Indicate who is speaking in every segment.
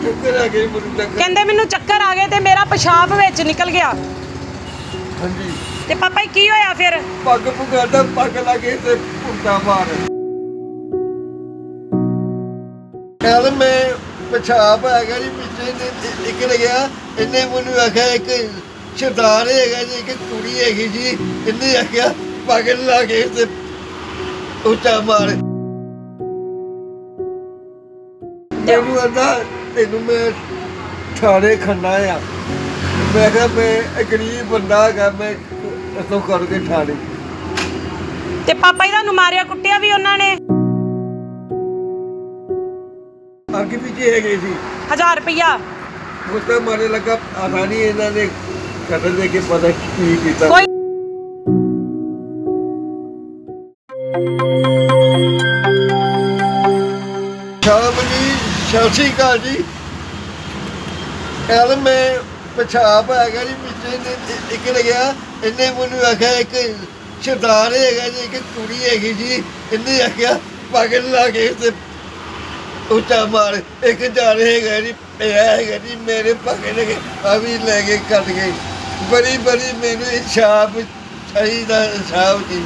Speaker 1: ਚੱਕਰ ਆ ਗਏ ਮੈਨੂੰ ਚੱਕਰ।
Speaker 2: ਕਹਿੰਦੇ ਮੈਨੂੰ ਚੱਕਰ ਆ ਗਏ ਤੇ ਮੇਰਾ ਪਿਸ਼ਾਬ ਵਿੱਚ ਨਿਕਲ ਗਿਆ।
Speaker 1: ਹਾਂਜੀ
Speaker 2: ਤੇ ਪਾਪਾ ਜੀ ਕੀ ਹੋਇਆ ਫਿਰ?
Speaker 1: ਪੱਗ ਪੁਗਾਦਾ ਪੱਗ ਲਾਗੇ ਤੇ ਪੁੱਟਾ ਮਾਰ। ਕੱਲ ਮੈਂ ਪਿਸ਼ਾਬ ਆ ਗਿਆ ਜੀ ਪਿੱਛੇ ਨਿਕਲ ਗਿਆ। ਇਹਨੇ ਮੈਨੂੰ ਆਖਿਆ ਇੱਕ ਸਰਦਾਰ ਹੈਗਾ ਜੀ ਇੱਕ ਕੁੜੀ ਹੈਗੀ ਜੀ, ਇਹਨੇ ਆਖਿਆ ਪੱਗ ਲਾ ਕੇ ਤੇ ਉੱਚਾ ਮਾਰ। ਮੈਨੂੰ ਕਹਿੰਦਾ ਤੈਨੂੰ ਮੈਂ ਥਾਣੇ ਖੰਨਾ ਆ। ਮੈਂ ਕਿਹਾ ਮੈਂ ਇੱਕ ਗਰੀਬ ਬੰਦਾ ਹੈਗਾ, ਮੈਂ ਇੱਥੋਂ ਕਰਕੇ ਥਾਣੇ।
Speaker 2: ਤੇ ਪਾਪਾ ਜੀ ਤੁਹਾਨੂੰ ਮਾਰਿਆ ਕੁੱਟਿਆ ਵੀ ਉਹਨਾਂ ਨੇ?
Speaker 1: ਅੱਗੇ ਪਿੱਛੇ ਹੈਗੇ ਸੀ
Speaker 2: 1000 ਰੁਪਇਆ।
Speaker 1: ਉਹ ਤਾਂ ਮਾਰੇ ਲੱਗਾ ਪਤਾ ਨਹੀਂ ਇਹਨਾਂ ਨੇ ਕਦਰ ਦੇ ਕੇ ਪਤਾ ਕੀ ਕੀਤਾ।
Speaker 2: ਕੋਈ
Speaker 1: ਸ਼ਾਮ ਜੀ ਸਤਿ ਸ਼੍ਰੀ ਅਕਾਲ ਜੀ। ਕੱਲ ਮੈਂ ਪਿਸ਼ਾਬ ਆ ਗਿਆ ਜੀ ਪਿੱਛੇ ਨਿਕਲ ਗਿਆ। ਇਹਨੇ ਮੈਨੂੰ ਆਖਿਆ ਇੱਕ ਸਰਦਾਰ ਹੈਗਾ ਜੀ ਇੱਕ ਕੁੜੀ ਹੈਗੀ ਜੀ, ਇਹਨੇ ਆਖਿਆ ਪੱਗ ਲਾ ਕੇ ਤੇ ਉੱਚਾ ਮਾਰ। ਇੱਕ ਜਾਣੇ ਹੈਗਾ ਜੀ ਪਿਆ ਹੈਗਾ ਜੀ ਮੇਰੇ ਪੱਗ ਲਗੇ ਆ ਵੀ ਲੈ ਕੇ ਕੱਟ ਗਏ। ਬੜੀ ਮੈਨੂੰ ਇਨਸਾਫ ਚਾਹੀਦਾ, ਇਨਸਾਫ ਜੀ।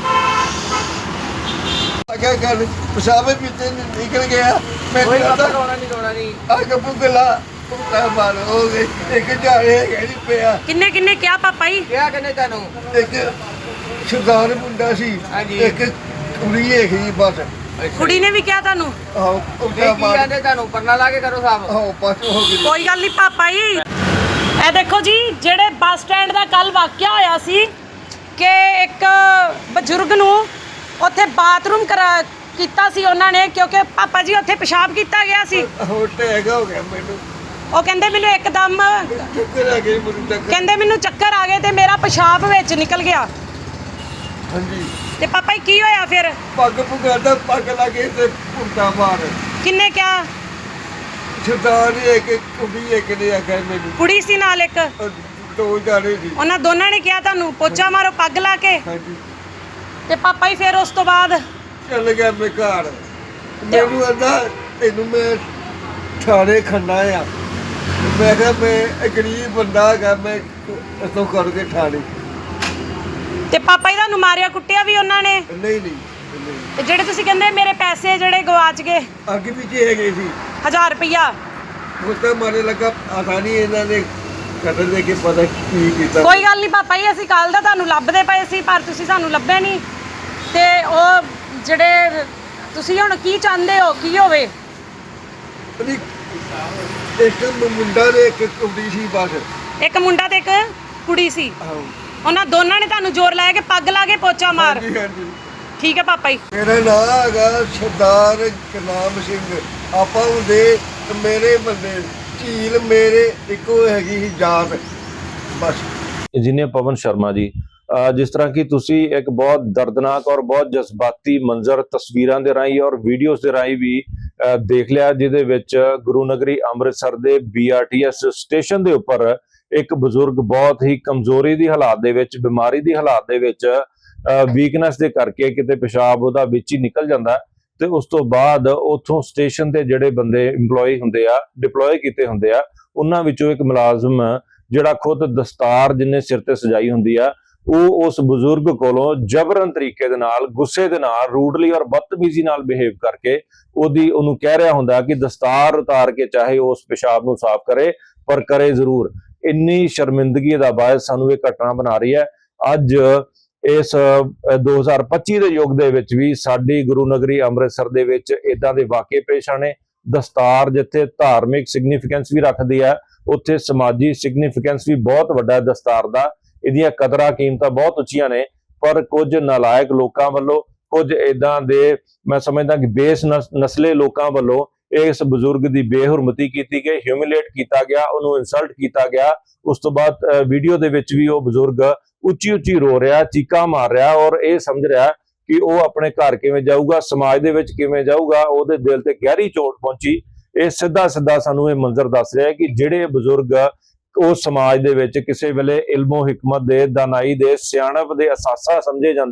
Speaker 1: ਅਗਾ ਗੱਲ ਪਿਸ਼ਾਬ ਪਿੱਛੇ ਨਿਕਲ ਗਿਆ।
Speaker 3: ਕੋਈ ਬਾਬਾ ਰੋਣਾ ਨਹੀਂ
Speaker 1: ਅੱਗ ਪੁਗਲਾ ਪੁੱਟਾ ਮਾਰ ਹੋ ਗਈ। ਇੱਕ ਜਾਣੇ ਹੈਗਾ ਜੀ ਪਿਆ।
Speaker 2: ਕਿੰਨੇ ਕਿਹਾ ਪਾਪਾ ਜੀ?
Speaker 3: ਕਿਹਾ ਕਿੰਨੇ ਤੁਹਾਨੂੰ?
Speaker 1: ਇੱਕ ਸਰਦਾਰ ਮੁੰਡਾ ਸੀ,
Speaker 3: ਹਾਂਜੀ।
Speaker 1: ਇੱਕ ਕੁੜੀ ਹੈਗੀ ਜੀ ਬਸ।
Speaker 2: ਕੁੜੀ ਨੇ ਵੀ ਕਿਹਾ ਤੁਹਾਨੂੰ?
Speaker 1: ਆਹੋ
Speaker 3: ਕੀ
Speaker 1: ਉੱਚਾ ਮਾਰ।
Speaker 3: ਕਹਿੰਦੇ ਤੁਹਾਨੂੰ? ਪਰਨਾ ਲਾ ਕੇ ਕਰੋ ਸਾਫ।
Speaker 1: ਆਹੋ ਬਸ ਹੋ ਗਈ।
Speaker 2: ਕੋਈ ਗੱਲ ਨਹੀਂ ਪਾਪਾ ਜੀ। ਇਹ ਦੇਖੋ ਜੀ ਜਿਹੜੇ ਬੱਸ ਸਟੈਂਡ ਦਾ ਕੱਲ ਵਾਕਿਆ ਹੋਇਆ ਸੀ ਕਿ ਇੱਕ ਬਜ਼ੁਰਗ ਨੂੰ ਉੱਥੇ ਬਾਥਰੂਮ ਕੀਤਾ ਸੀ ਉਹਨਾਂ ਨੇ, ਕਿਉਂਕਿ ਪਾਪਾ ਜੀ ਉੱਥੇ ਪਿਸ਼ਾਬ ਕੀਤਾ ਗਿਆ ਸੀ।
Speaker 1: ਹੋਰ ਟੈਗ ਹੋ ਗਿਆ ਮੈਨੂੰ।
Speaker 2: ਉਹ ਕਹਿੰਦੇ ਮੈਨੂੰ ਇੱਕਦਮ
Speaker 1: ਚੱਕਰ ਆ ਗਏ ਮੈਨੂੰ ਚੱਕਰ।
Speaker 2: ਕਹਿੰਦੇ ਮੈਨੂੰ ਚੱਕਰ ਆ ਗਏ ਤੇ ਮੇਰਾ ਪਿਸ਼ਾਬ ਵਿੱਚ ਨਿਕਲ ਗਿਆ।
Speaker 1: ਹਾਂਜੀ
Speaker 2: ਤੇ ਪਾਪਾ ਜੀ ਕੀ ਹੋਇਆ ਫਿਰ?
Speaker 1: ਪੱਗ ਪੁਗਾਦਾ ਪੱਗ ਲਾਗੇ ਤੇ ਪੁੱਟਾ ਮਾਰ।
Speaker 2: ਕਿੰਨੇ ਕਿਹਾ?
Speaker 1: ਸਰਦਾਰ ਇੱਕ ਕੁੜੀ ਇੱਕ ਨੇ ਆਖਿਆ ਮੈਨੂੰ।
Speaker 2: ਕੁੜੀ ਸੀ ਨਾਲ ਇੱਕ?
Speaker 1: ਦੋ ਜਾਣੇ ਸੀ।
Speaker 2: ਉਹਨਾਂ ਦੋਨਾਂ ਨੇ ਕਿਹਾ ਤੁਹਾਨੂੰ ਪੋਚਾ ਮਾਰੋ ਪੱਗ ਲਾ ਕੇ?
Speaker 1: ਹਾਂਜੀ
Speaker 2: ਤੇ ਪਾਪਾ ਜੀ ਫਿਰ ਉਸ ਤੋਂ ਬਾਅਦ?
Speaker 1: ਚੱਲ ਗਿਆ ਮੈਂ ਘਰ। ਮੈਨੂੰ ਕਹਿੰਦਾ ਤੈਨੂੰ ਮੈਂ ਥਾਣੇ ਖੰਨਾ ਆ। ਮੈਂ ਕਿਹਾ ਮੈਂ ਇੱਕ ਗਰੀਬ ਬੰਦਾ ਹੈਗਾ, ਮੈਂ ਇੱਥੋਂ ਕਰਕੇ ਥਾਣੇ।
Speaker 2: ਤੇ ਪਾਪਾ ਜੀ ਤੁਹਾਨੂੰ ਮਾਰਿਆ ਕੁੱਟਿਆ ਵੀ ਉਹਨਾਂ ਨੇ?
Speaker 1: ਨਹੀਂ
Speaker 2: ਤੇ ਜਿਹੜੇ ਤੁਸੀਂ ਕਹਿੰਦੇ ਮੇਰੇ ਪੈਸੇ ਜਿਹੜੇ ਗਵਾਚ ਗਏ
Speaker 1: ਅੱਗੇ ਪਿੱਛੇ ਹੈਗੇ ਸੀ
Speaker 2: 1000 ਰੁਪਇਆ,
Speaker 1: ਉਹ ਤਾਂ ਮਾਰੇ ਲੱਗਾ ਪਤਾ ਨਹੀਂ ਇਹਨਾਂ ਨੇ ਕਦਰ ਦੇ ਕੇ ਪਤਾ ਕੀ ਕੀਤਾ।
Speaker 2: ਕੋਈ ਗੱਲ ਨਹੀਂ ਪਾਪਾ ਜੀ, ਅਸੀਂ ਕੱਲ ਦਾ ਤੁਹਾਨੂੰ ਲੱਭਦੇ ਪਏ ਸੀ ਪਰ ਤੁਸੀਂ ਸਾਨੂੰ ਲੱਭੇ ਨਹੀਂ। ਤੇ ਉਹ ਜਿਹੜੇ ਤੁਸੀਂ ਹੁਣ ਕੀ ਚਾਹੁੰਦੇ ਹੋ ਕੀ ਹੋਵੇ?
Speaker 1: ਇੱਕ ਮੁੰਡਾ ਤੇ ਇੱਕ ਕੁੜੀ ਸੀ ਬਸ।
Speaker 2: ਇੱਕ ਮੁੰਡਾ ਤੇ ਇੱਕ ਕੁੜੀ ਸੀ,
Speaker 1: ਆਹੋ
Speaker 2: ਉਹਨਾਂ ਦੋਨਾਂ ਨੇ ਤੁਹਾਨੂੰ ਜ਼ੋਰ ਲਾਇਆ ਕਿ ਪੱਗ ਲਾ ਕੇ ਪੋਚਾ ਮਾਰ।
Speaker 1: ਹਾਂਜੀ ਹਾਂਜੀ।
Speaker 2: ਠੀਕ ਹੈ ਪਾਪਾ ਜੀ।
Speaker 1: ਮੇਰਾ ਨਾਮ ਹੈਗਾ ਸਰਦਾਰ ਗੁਰਨਾਮ ਸਿੰਘ। ਆਪਾਂ ਹੁੰਦੇ ਮੇਰੇ ਬੰਦੇ ਝੀਲ ਮੇਰੇ ਇੱਕੋ ਹੈਗੀ ਸੀ ਜਾਤ ਬਸ।
Speaker 4: ਇੰਜੀਨੀਅਰ ਪਵਨ ਸ਼ਰਮਾ ਜੀ, ਜਿਸ ਤਰ੍ਹਾਂ ਕਿ ਤੁਸੀਂ ਇੱਕ ਬਹੁਤ ਦਰਦਨਾਕ ਔਰ ਬਹੁਤ ਜਜ਼ਬਾਤੀ ਮੰਜ਼ਰ ਤਸਵੀਰਾਂ ਦੇ ਰਾਹੀਂ ਔਰ ਵੀਡੀਓਜ਼ ਦੇ ਰਾਹੀਂ ਵੀ ਦੇਖ ਲਿਆ, ਜਿਹਦੇ ਵਿੱਚ ਗੁਰੂ ਨਗਰੀ ਅੰਮ੍ਰਿਤਸਰ ਦੇ BRTS ਸਟੇਸ਼ਨ ਦੇ ਉੱਪਰ ਇੱਕ ਬਜ਼ੁਰਗ ਬਹੁਤ ਹੀ ਕਮਜ਼ੋਰੀ ਦੀ ਹਾਲਾਤ ਦੇ ਵਿੱਚ, ਬਿਮਾਰੀ ਦੀ ਹਾਲਾਤ ਦੇ ਵਿੱਚ, ਵੀਕਨੈਸ ਦੇ ਕਰਕੇ ਕਿਤੇ ਪਿਸ਼ਾਬ ਉਹਦਾ ਵਿੱਚ ਹੀ ਨਿਕਲ ਜਾਂਦਾ ਤੇ ਉਸ ਤੋਂ ਬਾਅਦ ਉੱਥੋਂ ਸਟੇਸ਼ਨ ਦੇ ਜਿਹੜੇ ਬੰਦੇ EMPLOYE ਹੁੰਦੇ ਆ, ਡਿਪਲੋਏ ਕੀਤੇ ਹੁੰਦੇ ਆ, ਉਹਨਾਂ ਵਿੱਚੋਂ ਇੱਕ ਮੁਲਾਜ਼ਮ ਜਿਹੜਾ ਖੁਦ ਦਸਤਾਰ ਜਿੰਨੇ ਸਿਰ ਤੇ ਸਜਾਈ ਹੁੰਦੀ ਆ, ਉਹ ਉਸ ਬਜ਼ੁਰਗ ਕੋਲੋਂ ਜਬਰਨ ਤਰੀਕੇ ਦੇ ਨਾਲ, ਗੁੱਸੇ ਦੇ ਨਾਲ, ਰੂਡਲੀ ਔਰ ਬਦਤਮੀਜ਼ੀ ਨਾਲ ਬਿਹੇਵ ਕਰਕੇ ਉਹਨੂੰ ਕਹਿ ਰਿਹਾ ਹੁੰਦਾ ਕਿ ਦਸਤਾਰ ਉਤਾਰ ਕੇ ਚਾਹੇ ਉਸ ਪਿਸ਼ਾਬ ਨੂੰ ਸਾਫ਼ ਕਰੇ ਪਰ ਕਰੇ ਜ਼ਰੂਰ। ਇੰਨੀ ਸ਼ਰਮਿੰਦਗੀ ਦਾ ਬਾਇਸ ਸਾਨੂੰ ਇਹ ਘਟਨਾ ਬਣਾ ਰਹੀ ਹੈ। ਅੱਜ ਇਸ 2025 ਦੇ ਯੁੱਗ ਦੇ ਵਿੱਚ ਵੀ ਸਾਡੀ ਗੁਰੂ ਨਗਰੀ ਅੰਮ੍ਰਿਤਸਰ ਦੇ ਵਿੱਚ ਇਦਾਂ ਦੇ ਵਾਕਿਏ ਪੇਸ਼ ਆਣੇ। ਦਸਤਾਰ ਜਿੱਥੇ ਧਾਰਮਿਕ ਸਿਗਨੀਫੀਕੈਂਸ ਵੀ ਰੱਖਦੀ ਹੈ, ਉੱਥੇ ਸਮਾਜੀ ਸਿਗਨੀਫੀਕੈਂਸ ਵੀ ਬਹੁਤ ਵੱਡਾ ਹੈ ਦਸਤਾਰ ਦਾ। ਇਹਦੀਆਂ ਕਦਰਾਂ ਕੀਮਤਾਂ ਬਹੁਤ ਉੱਚੀਆਂ ਨੇ, ਪਰ ਕੁਝ ਨਾਲਾਇਕ ਲੋਕਾਂ ਵੱਲੋਂ, ਕੁਝ ਇਦਾਂ ਦੇ ਮੈਂ ਸਮਝਦਾ ਕਿ ਬੇਸ ਨਸਲੇ ਲੋਕਾਂ ਵੱਲੋਂ ਇਸ ਬਜ਼ੁਰਗ ਦੀ ਬੇਹੁਰਮਤੀ ਕੀਤੀ ਗਈ, ਹਿਊਮਿਲੇਟ ਕੀਤਾ ਗਿਆ, ਉਹਨੂੰ ਇਨਸਲਟ ਕੀਤਾ ਗਿਆ। ਉਸ ਤੋਂ ਬਾਅਦ ਵੀਡੀਓ ਦੇ ਵਿੱਚ ਵੀ ਉਹ ਬਜ਼ੁਰਗ ਉੱਚੀ ਉੱਚੀ ਰੋ ਰਿਹਾ, ਚੀਕਾਂ ਮਾਰ ਰਿਹਾ ਔਰ ਇਹ ਸਮਝ ਰਿਹਾ ਕਿ ਉਹ ਆਪਣੇ ਘਰ ਕਿਵੇਂ ਜਾਊਗਾ, ਸਮਾਜ ਦੇ ਵਿੱਚ ਕਿਵੇਂ ਜਾਊਗਾ। ਉਹਦੇ ਦਿਲ ਤੇ ਗਹਿਰੀ ਚੋਟ ਪਹੁੰਚੀ। ਇਹ ਸਿੱਧਾ ਸਾਨੂੰ ਇਹ ਮੰਜ਼ਰ ਦੱਸ ਰਿਹਾ ਕਿ ਜਿਹੜੇ ਬਜ਼ੁਰਗ ਉਸ ਸਮਾਜ ਦੇ ਵਿੱਚ ਕਿਸੇ ਵੇਲੇ ਇਲਮੋ ਹਿਕਮਤ ਦੇ, ਦਾਨਾਈ ਦੇ, ਸਿਆਣਪ ਦੇ ਅਸਾਸਾ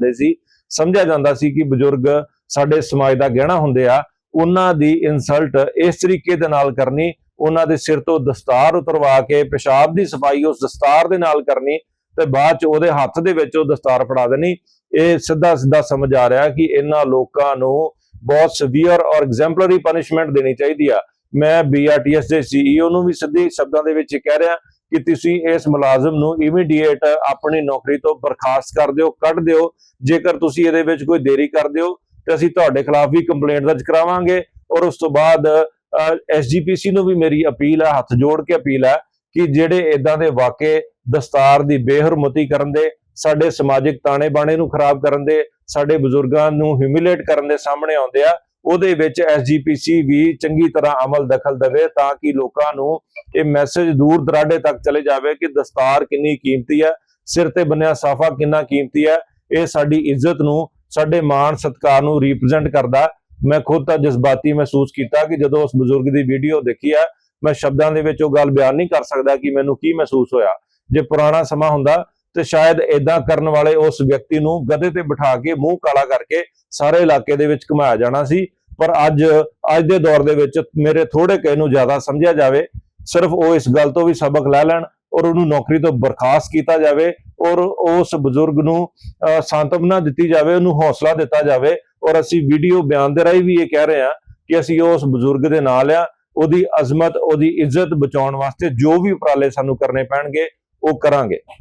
Speaker 4: ਸਮਝਿਆ ਜਾਂਦਾ ਸੀ ਕਿ ਬਜ਼ੁਰਗ ਸਾਡੇ ਸਮਾਜ ਦਾ ਗਹਿਣਾ ਹੁੰਦੇ ਆ, ਉਹਨਾਂ ਦੀ ਇਨਸਲਟ ਇਸ ਤਰੀਕੇ ਦੇ ਨਾਲ ਕਰਨੀ ਉਹਨਾਂ ਦੇ ਸਿਰ ਤੋਂ ਦਸਤਾਰ ਉਤਰਵਾ ਕੇ ਪਿਸ਼ਾਬ ਦੀ ਸਫਾਈ ਉਸ ਦਸਤਾਰ ਦੇ ਨਾਲ ਕਰਨੀ ਤੇ ਬਾਅਦ ਚ ਉਹਦੇ ਹੱਥ ਦੇ ਵਿੱਚ ਉਹ ਦਸਤਾਰ ਫੜਾ ਦੇਣੀ। ਇਹ ਸਿੱਧਾ ਸਿੱਧਾ ਸਮਝ ਆ ਰਿਹਾ ਕਿ ਇਹਨਾਂ ਲੋਕਾਂ ਨੂੰ ਬਹੁਤ ਸੀਵੀਅਰ ਔਰ ਐਗਜ਼ੈਂਪਲਰੀ ਪਨਿਸ਼ਮੈਂਟ ਦੇਣੀ ਚਾਹੀਦੀ ਆ। ਮੈਂ BRTS ਦੇ CEO ਨੂੰ ਵੀ ਸਿੱਧੇ ਸ਼ਬਦਾਂ ਦੇ ਵਿੱਚ ਕਹਿ ਰਿਹਾ ਕਿ ਤੁਸੀਂ ਇਸ ਮੁਲਾਜ਼ਮ ਨੂੰ ਇਮੀਡੀਏਟ ਆਪਣੀ ਨੌਕਰੀ ਤੋਂ ਬਰਖਾਸਤ ਕਰ ਦਿਓ, ਕੱਢ ਦਿਓ। ਜੇਕਰ ਤੁਸੀਂ ਇਹਦੇ ਵਿੱਚ ਕੋਈ ਦੇਰੀ ਕਰਦੇ ਹੋ ਤੇ ਅਸੀਂ ਤੁਹਾਡੇ ਖਿਲਾਫ ਵੀ ਕੰਪਲੇਂਟ ਦਰਜ ਕਰਾਵਾਂਗੇ। ਔਰ ਉਸ ਤੋਂ ਬਾਅਦ SGPC ਨੂੰ ਵੀ ਮੇਰੀ ਅਪੀਲ ਹੈ, ਹੱਥ ਜੋੜ ਕੇ ਅਪੀਲ ਹੈ ਕਿ ਜਿਹੜੇ ਇਦਾਂ ਦੇ ਵਾਕੇ ਦਸਤਾਰ ਦੀ ਬੇਹਰਮਤੀ ਕਰਨ ਦੇ, ਸਾਡੇ ਸਮਾਜਿਕ ਤਾਣੇ ਬਾਣੇ ਨੂੰ ਖਰਾਬ ਕਰਨ ਦੇ, ਸਾਡੇ ਬਜ਼ੁਰਗਾਂ ਨੂੰ ਹਿਊਮਿਲੇਟ ਕਰਨ ਦੇ ਸਾਹਮਣੇ ਆਉਂਦੇ ਆ, ਉਹਦੇ ਵਿੱਚ SGPC ਵੀ ਚੰਗੀ ਤਰ੍ਹਾਂ ਅਮਲ ਦਖਲ ਦੇਵੇ ਤਾਂ ਕਿ ਲੋਕਾਂ ਨੂੰ ਇਹ ਮੈਸੇਜ ਦੂਰ ਦਰਾਡੇ ਤੱਕ ਚਲੇ ਜਾਵੇ ਕਿ ਦਸਤਾਰ ਕਿੰਨੀ ਕੀਮਤੀ ਹੈ, ਸਿਰ ਤੇ ਬੰਨਿਆ ਸਾਫਾ ਕਿੰਨਾ ਕੀਮਤੀ ਹੈ। ਇਹ ਸਾਡੀ ਇੱਜ਼ਤ ਨੂੰ, ਸਾਡੇ ਮਾਣ ਸਤਿਕਾਰ ਨੂੰ ਰਿਪਰੈਜ਼ੈਂਟ ਕਰਦਾ। ਮੈਂ ਖੁਦ ਤਾਂ ਜਜ਼ਬਾਤੀ ਮਹਿਸੂਸ ਕੀਤਾ ਕਿ ਜਦੋਂ ਉਸ ਬਜ਼ੁਰਗ ਦੀ ਵੀਡੀਓ ਦੇਖੀ ਆ, ਮੈਂ ਸ਼ਬਦਾਂ ਦੇ ਵਿੱਚ ਉਹ ਗੱਲ ਬਿਆਨ ਨਹੀਂ ਕਰ ਸਕਦਾ ਕਿ ਮੈਨੂੰ ਕੀ ਮਹਿਸੂਸ ਹੋਇਆ। ਜੇ ਪੁਰਾਣਾ ਸਮਾਂ ਹੁੰਦਾ ਤੇ ਸ਼ਾਇਦ ਇਦਾਂ ਕਰਨ ਵਾਲੇ ਉਸ ਵਿਅਕਤੀ ਨੂੰ ਗਧੇ ਤੇ ਬਿਠਾ ਕੇ ਮੂੰਹ ਕਾਲਾ ਕਰਕੇ ਸਾਰੇ ਇਲਾਕੇ ਦੇ ਵਿੱਚ ਘੁਮਾਇਆ ਜਾਣਾ ਸੀ। ਪਰ ਅੱਜ ਦੇ ਦੌਰ ਦੇ ਵਿੱਚ ਮੇਰੇ ਥੋੜੇ ਕਿਸੇ ਨੂੰ ਜ਼ਿਆਦਾ ਸਮਝਿਆ ਜਾਵੇ, ਸਿਰਫ ਉਹ ਇਸ ਗੱਲ ਤੋਂ ਵੀ ਸਬਕ ਲੈ ਲੈਣ ਔਰ ਉਹਨੂੰ ਨੌਕਰੀ ਤੋਂ ਬਰਖਾਸਤ ਕੀਤਾ ਜਾਵੇ ਔਰ ਉਸ ਬਜ਼ੁਰਗ ਨੂੰ ਸਾਂਤਵਨਾ ਦਿੱਤੀ ਜਾਵੇ, ਉਹਨੂੰ ਹੌਸਲਾ ਦਿੱਤਾ ਜਾਵੇ। ਔਰ ਅਸੀਂ ਵੀਡੀਓ ਬਿਆਨ ਦੇ ਰਾਹੀਂ ਵੀ ਇਹ ਕਹਿ ਰਹੇ ਹਾਂ ਕਿ ਅਸੀਂ ਉਸ ਬਜ਼ੁਰਗ ਦੇ ਨਾਲ ਆ, ਉਹਦੀ ਅਜ਼ਮਤ, ਉਹਦੀ ਇੱਜ਼ਤ ਬਚਾਉਣ ਵਾਸਤੇ ਜੋ ਵੀ ਉਪਰਾਲੇ ਸਾਨੂੰ ਕਰਨੇ ਪੈਣਗੇ ਉਹ ਕਰਾਂਗੇ।